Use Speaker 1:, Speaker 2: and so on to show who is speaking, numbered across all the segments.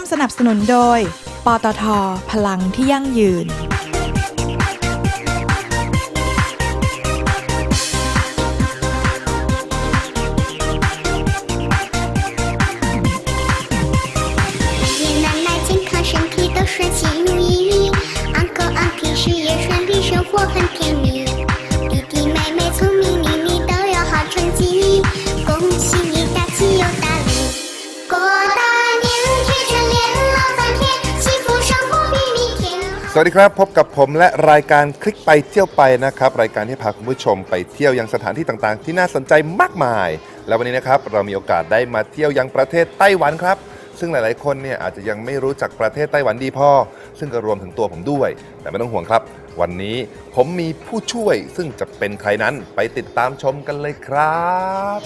Speaker 1: สนับสนุนโดยปตท.พลังที่ยั่งยืน
Speaker 2: สวัสดีครับพบกับผมและรายการคลิกไปเที่ยวไปนะครับรายการที่พาคุณผู้ชมไปเที่ยวยังสถานที่ต่างๆที่น่าสนใจมากมายแล้ววันนี้นะครับเรามีโอกาสได้มาเที่ยวยังประเทศไต้หวันครับซึ่งหลายๆคนเนี่ยอาจจะยังไม่รู้จักประเทศไต้หวันดีพอซึ่งก็รวมถึงตัวผมด้วยแต่ไม่ต้องห่วงครับวันนี้ผมมีผู้ช่วยซึ่งจะเป็นใครนั้นไปติดตามชมกันเลยครับ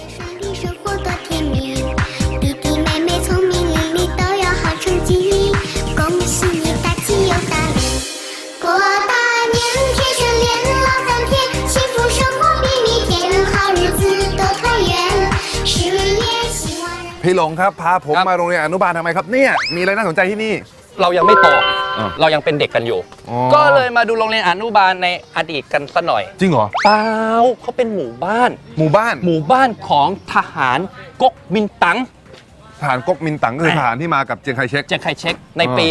Speaker 2: พี่หลงครับพาผมมาโรงเรียนอนุบาลทำไมครับเนี่ยมีอะไรน่าสนใจที่นี่
Speaker 3: เรายังไม่โตเรายังเป็นเด็กกันอยู่ก็เลยมาดูโรงเรียนอนุบาลในอดีตกันสักหน่อย
Speaker 2: จริงเหรอ
Speaker 3: เปล่าเขาเป็นหมู่บ้าน
Speaker 2: หมู่บ้าน
Speaker 3: ของทหารก๊กมินตั๋ง
Speaker 2: ทหารก๊กมินตั๋งคือทหารที่มากับเจียงไคเชก
Speaker 3: ในปี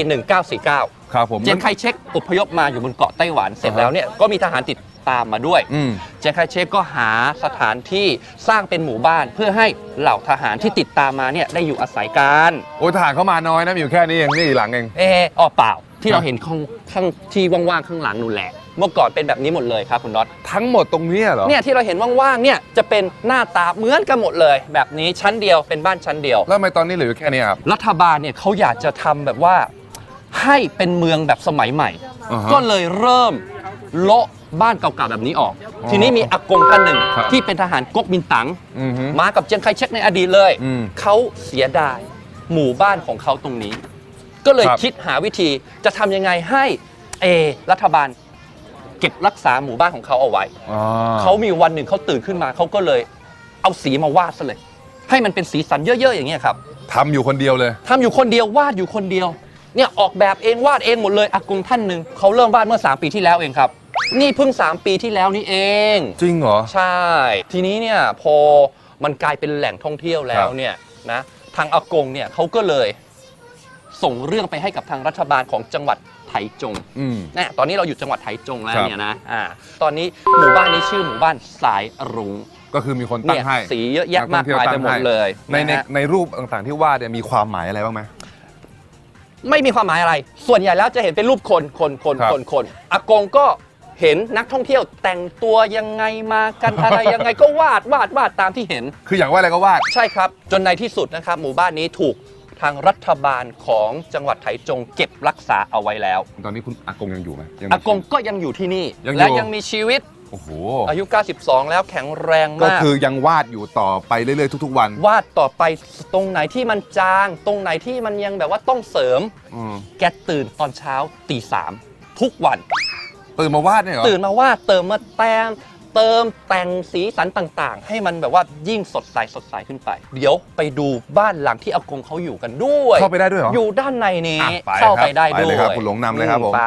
Speaker 3: 1949
Speaker 2: ครับผม
Speaker 3: เจียงไคเชกอพยพมาอยู่บนเกาะไต้หวันเสร็จแล้วเนี่ยก็มีทหารติดตามมาด้วยเจียงไคเชกก็หาสถานที่สร้างเป็นหมู่บ้านเพื่อให้เหล่าทหารที่ติดตามมาเนี่ยได้อยู่อาศัยกัน
Speaker 2: โอ้ทหารเขามาน้อยนะอยู่แค่นี้เองนี่หลังเอง
Speaker 3: เปล่าที่เราเห็นข้างที่ว่างๆข้างหลังนู่นแหละเมื่อก่อนเป็นแบบนี้หมดเลยครับคุณน็อต
Speaker 2: ทั้งหมดตรงนี้เหรอ
Speaker 3: เนี่ยที่เราเห็นว่างๆเนี่ยจะเป็นหน้าตาเหมือนกันหมดเลยแบบนี้ชั้นเดียวเป็นบ้านชั้นเดียว
Speaker 2: แล้วทำไมตอนนี้เหลือแค่นี้ครับ
Speaker 3: รัฐบาลเนี่ยเขาอยากจะทำแบบว่าให้เป็นเมืองแบบสมัยใหม่ก็เลยเริ่มโละบ้านเก่าๆแบบนี้ออกทีนี้มีอากงท่านหนึ่งที่เป็นทหารก๊กมินตั๋งมากับเจียงไคเชกในอดีตเลยเขาเสียดายหมู่บ้านของเขาตรงนี้ก็เลยคิดหาวิธีจะทำยังไงให้รัฐบาลเก็บรักษาหมู่บ้านของเขาเอาไว้เขามีวันหนึ่งเขาตื่นขึ้นมาเขาก็เลยเอาสีมาวาดซะเลยให้มันเป็นสีสันเยอะๆอย่างเงี้ยครับ
Speaker 2: ทำอยู่คนเดียวเลยวาดอยู่คนเ
Speaker 3: ดียวเนี่ยออกแบบเองวาดเองหมดเลยอากงท่านหนึ่งเขาเริ่มวาดเมื่อ3 ปีที่แล้วเองครับนี่เพิ่ง3 ปีที่แล้วนี่เอง
Speaker 2: จริงเหรอ
Speaker 3: ใช่ทีนี้เนี่ยพอมันกลายเป็นแหล่งท่องเที่ยวแล้วเนี่ยนะทางอากงเนี่ยเขาก็เลยส่งเรื่องไปให้กับทางรัฐบาลของจังหวัดไถจงนะตอนนี้เราอยู่จังหวัดไถจงแล้วเนี่ยนะตอนนี้หมู่บ้านนี้ชื่อหมู่บ้านสายรุ้ง
Speaker 2: ก็คือมีคนตั้งให้
Speaker 3: สีเยอะแยะมากมายไปหมดเลย
Speaker 2: ในรูปต่างๆที่วาดเนี่ยมีความหมายอะไรบ้างไหม
Speaker 3: ไม่มีความหมายอะไรส่วนใหญ่แล้วจะเห็นเป็นรูปคนอากงก็เห็นนักท่องเที่ยวแต่งตัวยังไงมากันอะไรยังไงก็วาดตามที่เห็น
Speaker 2: คืออย่างว่าอะไรก็วาด
Speaker 3: ใช่ครับจนในที่สุดนะครับหมู่บ้านนี้ถูกทางรัฐบาลของจังหวัดไถจงเก็บรักษาเอาไว้แล้ว
Speaker 2: ตอนนี้คุณอากงยังอยู่ไหม
Speaker 3: อากงก็ยังอยู่ที่นี่และยังมีชีวิต
Speaker 2: โอ้โห
Speaker 3: อายุ92แล้วแข็งแรงมาก
Speaker 2: ก็คือยังวาดอยู่ต่อไปเรื่อยๆทุกๆวัน
Speaker 3: วาดต่อไปตรงไหนที่มันจางตรงไหนที่มันยังแบบว่าต้องเสริมแกตื่นตอนเช้าตี 3ทุกวัน
Speaker 2: ตื่นมาวาดเนี่ยเหรอ
Speaker 3: ตื่นมาวาดเติมแต่งสีสันต่างๆให้มันแบบว่ายิ่งสดใสขึ้นไปเดี๋ยวไปดูบ้านหลังที่อากงเขาอยู่กันด้วย
Speaker 2: เข้าไปได้ด้วยเหรอ
Speaker 3: อยู่ด้านในนี้เข้าไปได้ด้วย
Speaker 2: เลยครับคุณหลงนำเลยครับผม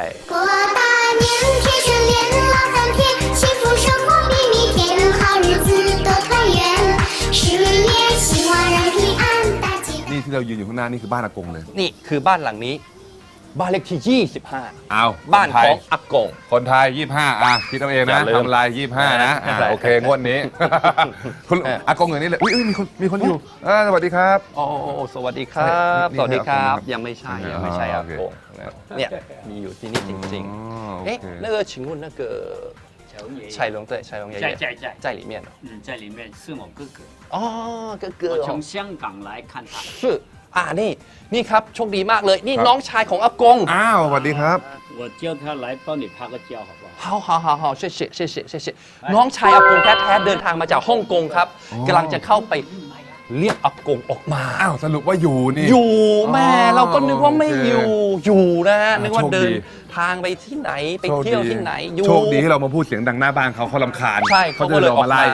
Speaker 2: นี่ที่เรายืนอยู่ข้างหน้านี่คือบ้านอากงเลย
Speaker 3: นี่คือบ้านหลังนี้บ้านเลขที่25
Speaker 2: เอา
Speaker 3: บ้านของอากง
Speaker 2: คนไทย25คิดเอาเองนะทำลาย25นะโอเคงวดนี้คุณอากงอย่างนี้เลยมีคนอยู่สวัสดีครับ
Speaker 3: โอ้สวัสดีครับสวัสดีครับยังไม่ใช่อากงเนี่ยมีอยู่ที่นี่จริงๆ那个请问那个彩龙对彩龙爷爷在里面
Speaker 4: 在里面是我哥哥
Speaker 3: 哥哥
Speaker 4: 我从香港来看他
Speaker 3: 是นี่ครับโชคดีมากเลยนี่น้องชายของอากง
Speaker 2: สวัสดีครับ
Speaker 4: 我叫他来帮你拍个照好不
Speaker 3: 好好谢谢น้องชายอากงแท้ๆเดินทางมาจากฮ่องกงครับกำลังจะเข้าไปเรียกอากงออกมา
Speaker 2: สรุปว่าอยู่นี่
Speaker 3: อยู่แม่เราก็นึกว่าไม่อยู่นะนึกว่าเดินทางไปที่ไหนไปเที่ยวที่ไหน
Speaker 2: โชคดีที่เรามาพูดเสียงดังหน้าบ้านเขารำคาญ
Speaker 3: ใช่เขาก็เลยออกมา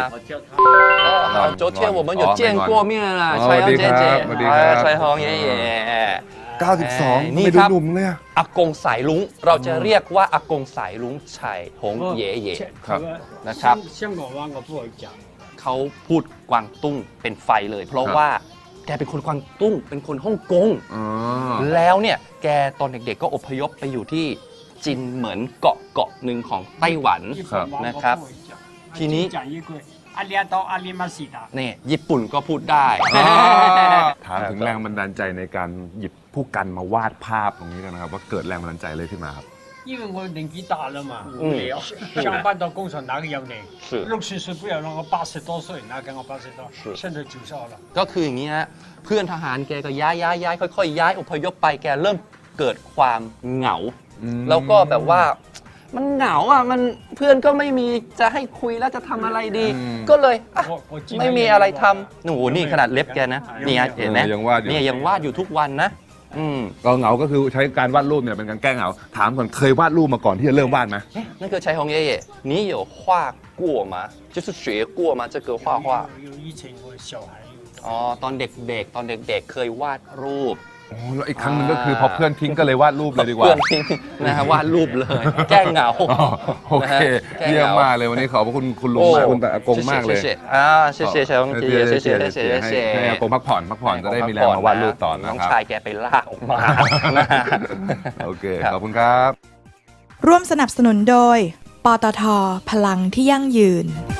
Speaker 3: 昨天我们有见过面了蔡阳姐姐蔡宏爷爷
Speaker 2: 92
Speaker 3: นี่
Speaker 2: ไม่
Speaker 3: ค
Speaker 2: ดู
Speaker 3: รับ
Speaker 2: หนุ่มเลยอะ
Speaker 3: อากงสายลุงเราจะเรียกว่าอากงสายลุงชัยหงเย่เย่
Speaker 2: ครับ
Speaker 3: นะครับ
Speaker 4: 香港湾我不会讲，
Speaker 3: เขาพูดกวางตุ้งเป็นไฟเลย เพราะว่าแกเป็นคนกวางตุ้งเป็นคนฮ่องกง
Speaker 2: อ๋อ
Speaker 3: แล้วเนี่ยแกตอนเด็กๆก็อพยพไปอยู่ที่จินเหมือนเกาะหนึ่งของไต้หวัน
Speaker 4: 日本湾我
Speaker 3: นะครับ
Speaker 4: 不会讲。
Speaker 3: ทีนี้
Speaker 4: 讲一句，阿里阿多阿里马西达。
Speaker 3: เนี่ยญี่ปุ่นก็พูดได้
Speaker 2: ถามถึงแรงบันดาลใจในการหยิบผู้กันมาวาดภาพตรงนี้กันนะครับ ว่าเกิดแรงบันดาลใจเลยขึ้นมาครับ
Speaker 4: 因为我年紀大了嘛，無聊，上班到工廠哪個有你？
Speaker 3: 是
Speaker 4: 60歲不要讓我80多歲，哪跟我80多？現在90了。
Speaker 3: ก็คืออย่างนี้ฮะเพื่อนทหารแกก็ย้ายค่อยๆย้ายอพยพไปแกเริ่มเกิดความเหงา แล้วก็แบบว่ามันเหงาอ่ะมันเพื่อนก็ไม่มีจะให้คุยแล้วจะทำอะไรดี ก็เลยอ่ะไม่มีอะไรทำหนูนี่ขนาดเล็บแกนะนี่ฮะเห็นไหม
Speaker 2: ยังวาดอยู่
Speaker 3: เนี่ยยังวาดอยู่ทุกวันนะ
Speaker 2: ก็เหงาก็คือใช้การวาดรูปเนี่ยเป็นการแก้เหงา ถามก่อนเคยวาดรูปมาก่อนที่จะเริ่มวาดไหม
Speaker 3: 那个柴红爷爷，你有画过吗？就是学过吗？这个画画？
Speaker 4: 有以前我小孩有。
Speaker 3: อ๋อตอนเด็กๆ ตอนเด็กๆ เคยวาดรูป
Speaker 2: โอ้แล้วอีกครั้งหนึงก็คือพอเพื่อนทิ้งก็เลยวาดรูปเลยดีกว่า
Speaker 3: เพื่อนทิ้งนะฮะวาดรูปเลย แก้เหงา
Speaker 2: อ๋อโอเค
Speaker 3: แก้เหงา
Speaker 2: เยี่ยมมากเลยวันนี้ขอบพระคุณคุณลุงมากคุณแต่อากงมากเลย
Speaker 3: 谢谢谢谢柴红爷爷谢谢谢谢谢谢
Speaker 2: ให้อากงพักผ่อนจะได้มีแรงมาวาดรูปต่อนะ
Speaker 3: น้อง
Speaker 2: ครับ
Speaker 3: ชายแกไปลากออกมานะฮะ
Speaker 2: โอเคขอบคุณครับ
Speaker 1: ร่วมสนับสนุนโดย ปตท พลังที่ยั่งยืน